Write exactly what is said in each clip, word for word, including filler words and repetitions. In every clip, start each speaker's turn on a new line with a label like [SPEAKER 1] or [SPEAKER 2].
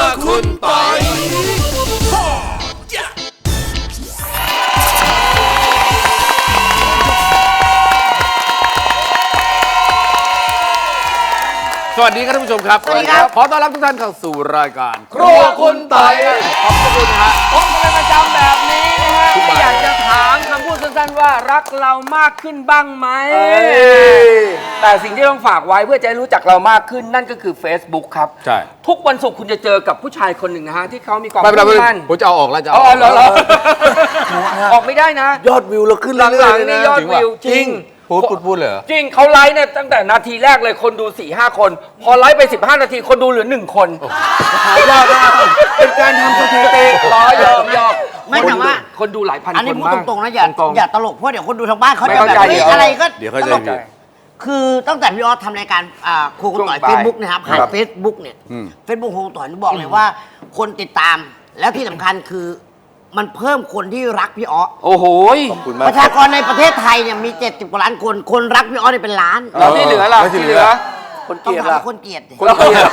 [SPEAKER 1] คุณปอยสวัสดีครับท่านผู้ชมครับ
[SPEAKER 2] สวัสดีครับ
[SPEAKER 1] ขอต้อนรับทุกท่านเข้าสู่รายการ
[SPEAKER 3] ครัวคุณปอย
[SPEAKER 1] ขอบคุณฮะ
[SPEAKER 3] ผมเป็นประจำแบบนี้นะฮะ
[SPEAKER 1] ทุกวัน
[SPEAKER 3] อยากจะถามคำพูดสั้นๆว่ารักเรามากขึ้นบ้างไหมแต่สิ่งที่ต้องฝากไว้เพื่อจะให้รู้จักเรามากขึ้นนั่นก็คือ Facebook ครับ
[SPEAKER 1] ใช่
[SPEAKER 3] ทุกวันศุกร์คุณจะเจอกับผู้ชายคนหนึ่งนะฮะที่เขามีความ
[SPEAKER 1] ไม่เป็นไรไม่
[SPEAKER 3] มุ่ง
[SPEAKER 1] เป็นไร
[SPEAKER 3] มั่น
[SPEAKER 1] ผมจะเอาออกแล้วจะเอา
[SPEAKER 3] อ๋
[SPEAKER 1] อ
[SPEAKER 3] อ
[SPEAKER 1] อก
[SPEAKER 3] เหรอเหรอออกไม่ได้นะ
[SPEAKER 2] ยอดวิวเราขึ้น
[SPEAKER 3] ห
[SPEAKER 2] เรื่
[SPEAKER 3] ลั
[SPEAKER 2] อย
[SPEAKER 3] ง
[SPEAKER 2] ๆเลย
[SPEAKER 3] ๆนี่
[SPEAKER 2] นะ
[SPEAKER 3] ยอดวิวจริง
[SPEAKER 1] พูดพูดพูดเลยเหรอ
[SPEAKER 3] จริงเขาไลฟ์เนี่ยตั้งแต่นาทีแรกเลยคนดู สี่ห้า คน พอไลฟ์ไป สิบห้า นาทีคนดูเหลือหนึ่งคนยอดมากเป็นการทำสถิติล้อยอมยอม
[SPEAKER 4] ไม่แต่ว่า
[SPEAKER 3] คนดูหลายพันคน
[SPEAKER 4] อันนี้พูดตรงๆนะอย่า
[SPEAKER 3] ตรงๆ
[SPEAKER 4] อย่าตลกเพราะเดี๋ยวคนดูทางบ้านเขา
[SPEAKER 3] ไม่
[SPEAKER 4] จะ
[SPEAKER 3] เข้า
[SPEAKER 4] แบบ
[SPEAKER 3] ใจ
[SPEAKER 4] เฮ้ย
[SPEAKER 3] เดี๋ยว
[SPEAKER 4] อะไรก็
[SPEAKER 1] เดี๋ยวเข้าใจ
[SPEAKER 4] ตลก
[SPEAKER 1] ผิด
[SPEAKER 4] คือตั้งแต่พี่ออสทำรายการอ่าครูคุณต่อย
[SPEAKER 3] ช่วงบ่าย
[SPEAKER 4] เฟซบุ๊กนะครับผ่าน
[SPEAKER 3] ครับ
[SPEAKER 4] เฟซบุ๊กเนี่ย
[SPEAKER 1] อืม
[SPEAKER 4] เฟซบุ๊กครูคุณต่อยนี่บอกเลยว่า คนติดตามแล้วที่สำคัญคือมันเพิ่มคนที่รักพี่ออส
[SPEAKER 3] โอ้โห
[SPEAKER 2] ขอบคุณมาก
[SPEAKER 4] ประชากรในประเทศไทยเนี่ยมีเจ็ดสิบกว่าล้านคนคนรักพี่ออสเนี่ยเป็นล้าน
[SPEAKER 3] แล้วที่เหลือล่ะ
[SPEAKER 1] แล้วที่
[SPEAKER 3] ที่
[SPEAKER 1] เห
[SPEAKER 3] เห
[SPEAKER 1] ลื
[SPEAKER 3] ลื
[SPEAKER 1] อ
[SPEAKER 3] อ
[SPEAKER 2] คน
[SPEAKER 4] ต้อ
[SPEAKER 2] เก
[SPEAKER 4] ง
[SPEAKER 2] ลียด
[SPEAKER 4] ถาม
[SPEAKER 2] ล่ะ
[SPEAKER 4] ว่าคนเกลียดดิ
[SPEAKER 2] คนเกลียด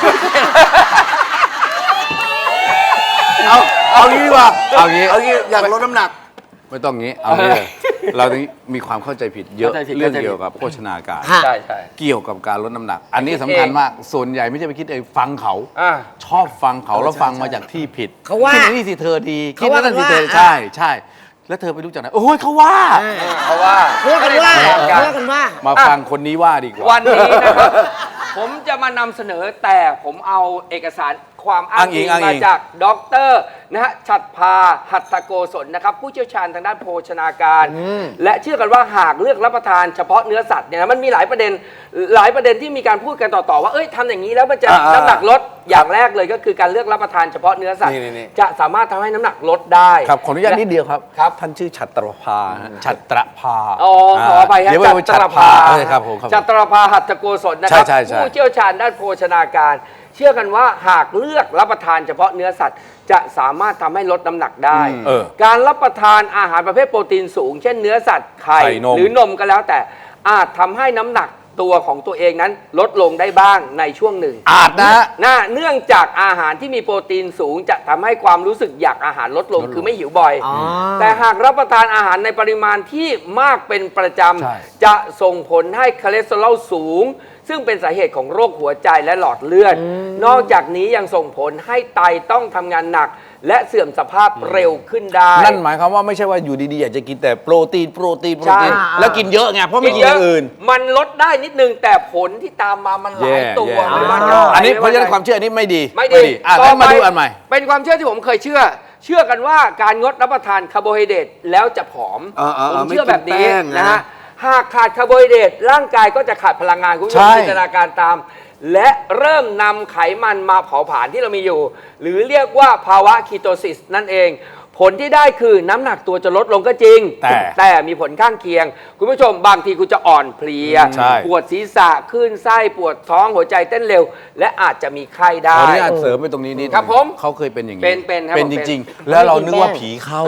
[SPEAKER 2] เอาเอางี้ดีกว่า
[SPEAKER 1] เอางี้
[SPEAKER 2] เอางี้อยากลดน้ำหนัก
[SPEAKER 1] ไม่ต้องงี้เอางี้เลยเราต้องมีความเข้าใจผิดเยอะ
[SPEAKER 3] เข้าใจผิด
[SPEAKER 1] เรื่อง
[SPEAKER 3] เข้าใจผิด
[SPEAKER 1] เกี่ยวกับโภชนาการ
[SPEAKER 4] ฮะ
[SPEAKER 3] ใช่ใช่
[SPEAKER 1] เกี่ยวกับการลดน้ำหนัก อันนี้สำคัญมากส่วนใหญ่ไม่ใช่ไปคิดเองฟังเขา
[SPEAKER 3] อ่า
[SPEAKER 1] ชอบฟังเขาแล้วฟังมาจากที่ผิด
[SPEAKER 4] เขาว่า
[SPEAKER 1] คิดนี่สิเธอดีคิ
[SPEAKER 4] เขา
[SPEAKER 1] ด
[SPEAKER 4] ว่า
[SPEAKER 1] นั่นสิเธอ
[SPEAKER 4] กันว่า
[SPEAKER 1] ใช่ใช่แล้วเธอไปรู้จักไหนโอ้ยเขาว่า
[SPEAKER 3] เพราะว่า
[SPEAKER 4] เพื่อกันว่า
[SPEAKER 3] เออ
[SPEAKER 4] เพื่อกันว่า
[SPEAKER 1] มาฟังคนนี้ว่าดีกว่า
[SPEAKER 3] วันนี้นะครับ ผมจะมานำเสนอแต่ผมเอาเอกสารความอ้างอิง
[SPEAKER 1] อ้างอิง
[SPEAKER 3] มาจากดรนะฮะฉัตรภาหัตถโกศลนะครับผู้เชี่ยวชาญทางด้านโภชนาการ และเชื่อกันว่าหากเลือกรับประทานเฉพาะเนื้อสัตว์เนี่ยนะมันมีหลายประเด็นหลายประเด็นที่มีการพูดกันต่อๆว่าเอ้ยทำอย่างนี้แล้วมันจะ
[SPEAKER 2] อ่าๆ
[SPEAKER 3] น้ำหนักลดอย่างแรกเลยก็คือการเลือกรับประทานเฉพาะเนื้อสัตว์
[SPEAKER 2] นี่ๆ
[SPEAKER 3] จะสามารถทำให้น้ำหนักลดได้
[SPEAKER 1] ครับขออนุญาตนิดเดียวครับ
[SPEAKER 3] ครับ
[SPEAKER 1] ท่านชื่อฉัตรภาฮะฉัตรภา
[SPEAKER 3] อ๋อขออภัยฮะ
[SPEAKER 1] เดี๋ยวไป
[SPEAKER 3] จัตรภา
[SPEAKER 1] เออครับผมครับผม
[SPEAKER 3] จัตรภาหัตถโกศลนะครับ
[SPEAKER 1] ใช่ใช่ใช่
[SPEAKER 3] ผู้เชี่ยวชาญด้านโภชนาการ เชื่อกันว่าหากเลือกรับประทานเฉพาะเนื้อสัตว์ จะสามารถทำให้ลดน้ำหนักได้
[SPEAKER 1] เออ
[SPEAKER 3] การรับประทานอาหารประเภทโปรตีนสูง เช่นเนื้อสัตว์ไข่
[SPEAKER 1] ไข่นม
[SPEAKER 3] หรือนมก็แล้วแต่อาจทำให้น้ำหนักตัวของตัวเองนั้นลดลงได้บ้างในช่วงหนึ่ง
[SPEAKER 1] อาจนะ
[SPEAKER 3] น่าเนื่องจากอาหารที่มีโปรตีนสูง จะทำให้ความรู้สึกอยากอาหารลดลงคือไม่หิวบ่อย
[SPEAKER 4] อ๋อ
[SPEAKER 3] แต่หากรับประทานอาหารในปริมาณที่มากเป็นประจ
[SPEAKER 1] ใช่
[SPEAKER 3] ำจะส่งผลให้คอเลสเตอรอลสูง ซึ่งเป็นสาเหตุของโรคหัวใจและหลอดเลือด นอกจากนี้ยังส่งผลให้ไตต้องทำงานหนัก และเสื่อมสภาพเร็วขึ้นได้
[SPEAKER 1] นั่นหมายความว่าไม่ใช่ว่าอยู่ดีๆอยากจะกินแต่โปรตีนโปรตีนโปรตีน
[SPEAKER 3] ใช่
[SPEAKER 1] แล้วกินเยอะไงเพราะไม่กินอย่างอื่น
[SPEAKER 3] มันลดได้นิดนึงแต่ผลที่ตามมามันหลายตัว
[SPEAKER 1] แย่
[SPEAKER 3] ไม่
[SPEAKER 1] แย่
[SPEAKER 3] ว่าจะ
[SPEAKER 1] อันนี้
[SPEAKER 3] ไม่
[SPEAKER 1] เพราะฉะนั้น
[SPEAKER 3] ไ
[SPEAKER 1] ความเชื่ออันนี้ไม่ดี
[SPEAKER 3] ไม่ดี
[SPEAKER 1] อ่ะ
[SPEAKER 3] ต่
[SPEAKER 1] งั้
[SPEAKER 3] อน ไป
[SPEAKER 1] มาดูอันใหม่
[SPEAKER 3] เป็นความเชื่อที่ผมเคยเชื่อ เชื่อกันว่าการงดรับประทานคาร์โบไฮเดรตแล้วจะผอม
[SPEAKER 2] เออเออเออ
[SPEAKER 3] ผมเชื่อแบบนี้
[SPEAKER 2] ไม่กินแป้งนะ
[SPEAKER 3] นะฮะหากขาดคาร์โบไฮเดรตร่างกายก็จะขาดพลังงานคุณผู้ช
[SPEAKER 1] ใช่
[SPEAKER 3] มจินตนาการตาม และเริ่มนำไขมันมาเผาผลาญที่เรามีอยู่ หรือเรียกว่าภาวะคีโตซิสนั่นเอง ผลที่ได้คือน้ำหนักตัวจะลดลงก็จริง
[SPEAKER 1] แต่
[SPEAKER 3] แต่มีผลข้างเคียง คุณผู้ชมบางทีคุณจะอ่อนเพลีย
[SPEAKER 1] ใช่
[SPEAKER 3] ปวดศีรษะคลื่นไส้ปวดท้องหัวใจเต้นเร็ว และอาจจะมีไข้
[SPEAKER 1] ข
[SPEAKER 3] ได้
[SPEAKER 1] ออนุญาตเสริมไปตรงนี้นิดนึง
[SPEAKER 3] ครับผม
[SPEAKER 1] เขาเคยเป็นอย่างนี้
[SPEAKER 3] เป็นเป็นครับ
[SPEAKER 1] เป็น
[SPEAKER 3] ผม
[SPEAKER 1] จ
[SPEAKER 3] เป็น
[SPEAKER 1] ริง ๆ แล้วเรานึกว่าผีเข้า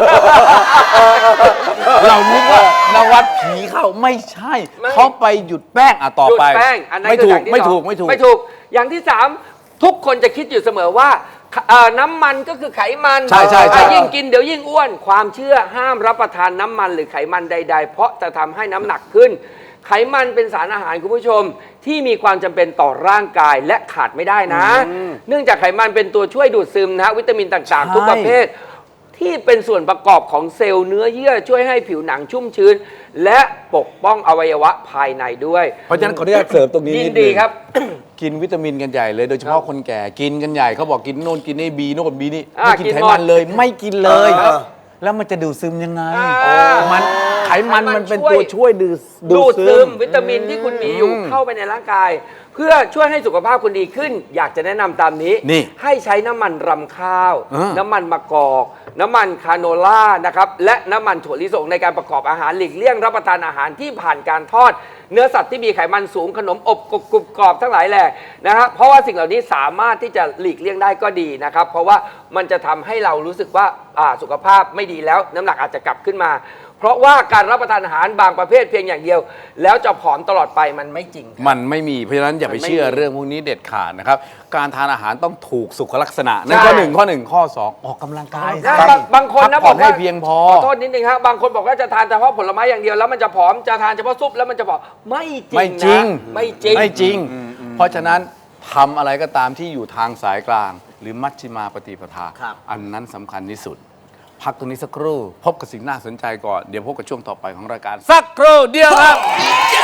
[SPEAKER 1] เรานึกว่านวัดผีเข้าไม่ใช่
[SPEAKER 3] ไม่
[SPEAKER 1] เขาไปหยุดแป้งอ่ะต่อ
[SPEAKER 3] หยุด
[SPEAKER 1] ไป
[SPEAKER 3] แป้งอันนั้น
[SPEAKER 1] ไม่
[SPEAKER 3] คือ
[SPEAKER 1] ถู
[SPEAKER 3] อก ย่างที่
[SPEAKER 1] ไม่
[SPEAKER 3] สอง
[SPEAKER 1] ถูกไม่ถูก
[SPEAKER 3] ไม่ถูกอย่างที่สามทุกคนจะคิดอยู่เสมอว่าเอ่อน้ำมันก็คือไขมัน
[SPEAKER 1] ใช่ใช่ใช่
[SPEAKER 3] อ่ะยิ่งกินเดี๋ยวยิ่งอ้วน ความเชื่อห้ามรับประทานน้ำมันหรือไขมันใด ๆ เพราะจะทำให้น้ำหนักขึ้น ไขมันเป็นสารอาหารคุณผู้ชม ที่มีความจำเป็นต่อร่างกายและขาดไม่ได้นะ เนื่องจากไขมันเป็นตัวช่วยดูดซึมนะฮะวิตามินต่างๆ ทุกประเภท ที่เป็นส่วนประกอบของเซลล์เนื้อเยื่อช่วยให้ผิวหนังชุ่มชื้น และปกป้องอวัยวะภายในด้วย
[SPEAKER 1] เพราะฉะนั้นขออนุญาตเสริมตรงนี้
[SPEAKER 3] ยิ
[SPEAKER 1] นิ
[SPEAKER 3] น
[SPEAKER 1] ดนึง
[SPEAKER 3] ดีครับ
[SPEAKER 1] กินวิตามินกันใหญ่เลยโดยเฉพาะคนแก่กินกันใหญ่เขาบอกกินโน่นกินนี่บีโน่นบีนี่
[SPEAKER 3] อ่า
[SPEAKER 1] ไม่กิน
[SPEAKER 3] กิน
[SPEAKER 1] ไข
[SPEAKER 3] หมด
[SPEAKER 1] มันเลยไม่กินเลย
[SPEAKER 2] เออ
[SPEAKER 1] แล้วมันจะดูดซึมยังไง
[SPEAKER 3] อ่า
[SPEAKER 1] มันไขมัน
[SPEAKER 3] ไขมัน
[SPEAKER 1] มันเป็น
[SPEAKER 3] ช่วย
[SPEAKER 1] ตัวช่วยดูด
[SPEAKER 3] ดูดซึมวิตามินที่คุณมีอยู่
[SPEAKER 1] อืม
[SPEAKER 3] เข้าไปในร่างกาย เพื่อช่วยให้สุขภาพคุณดีขึ้น อยากจะแนะนำตามนี้
[SPEAKER 1] นี่
[SPEAKER 3] ให้ใช้น้ำมันรำข้าว
[SPEAKER 1] อ่า
[SPEAKER 3] น้ำมันมะกอก น้ำมันคาโนล่านะครับและน้ำมันถั่วลิสงในการประกอบอาหารหลีกเลี่ยงรับประทานอาหารที่ผ่านการทอด เนื้อสัตว์ที่มีไขมันสูงขนมอบกรุบกรุบกรอบทั้งหลายแหล่นะครับเพราะว่าสิ่งเหล่านี้สามารถที่จะหลีกเลี่ยงได้ก็ดีนะครับเพราะว่ามันจะทำให้เรารู้สึกว่าอ่าสุขภาพไม่ดีแล้วน้ำหนักอาจจะกลับขึ้นมา เพเพราะว่าการรับประทานอาหารบางประเภทเพียงอย่างเดียว แล้วจะผอมตลอดไปมันไม่จริงครับ
[SPEAKER 1] มันไม่มีเพราะฉะนั้นอย่าไป
[SPEAKER 3] มันไม่
[SPEAKER 1] เชื่อ
[SPEAKER 3] มี
[SPEAKER 1] เรื่องพวกนี้เด็ดขาดนะครับการทานอาหารต้องถูกสุขลักษณะนั่น
[SPEAKER 3] ใช่
[SPEAKER 1] ข้อหนึ่งข้อหนึ่งข้อสองออกกำลังกาย
[SPEAKER 3] นะบางบางคนนะ
[SPEAKER 1] พักผ่
[SPEAKER 3] บ
[SPEAKER 1] อ
[SPEAKER 3] อน ก
[SPEAKER 1] ให้
[SPEAKER 3] ว่า
[SPEAKER 1] เพียงพอ
[SPEAKER 3] ขอโทษนิดนึงครับบางคนบอกว่าจะทานเฉพาะผลไม้อย่างเดียวแล้วมันจะผอมจะทานเฉพาะซุปแล้วมันจะผอมไม่จริง
[SPEAKER 1] ไม่จริง
[SPEAKER 3] นะไม่จริง
[SPEAKER 1] ไม่จริง เพราะฉะนั้นทำอะไรก็ตามที่อยู่ทางสายกลาง หรือมัชฌิมาปฏิปทา
[SPEAKER 4] ครับ
[SPEAKER 1] อันนั้นสำคัญที่สุด พักตรงนี้สักครู่ พบกับสิ่งน่าสนใจก่อน เดี๋ยวพบกับช่วงต่อไปของรายการ สักครู่เดียวครับ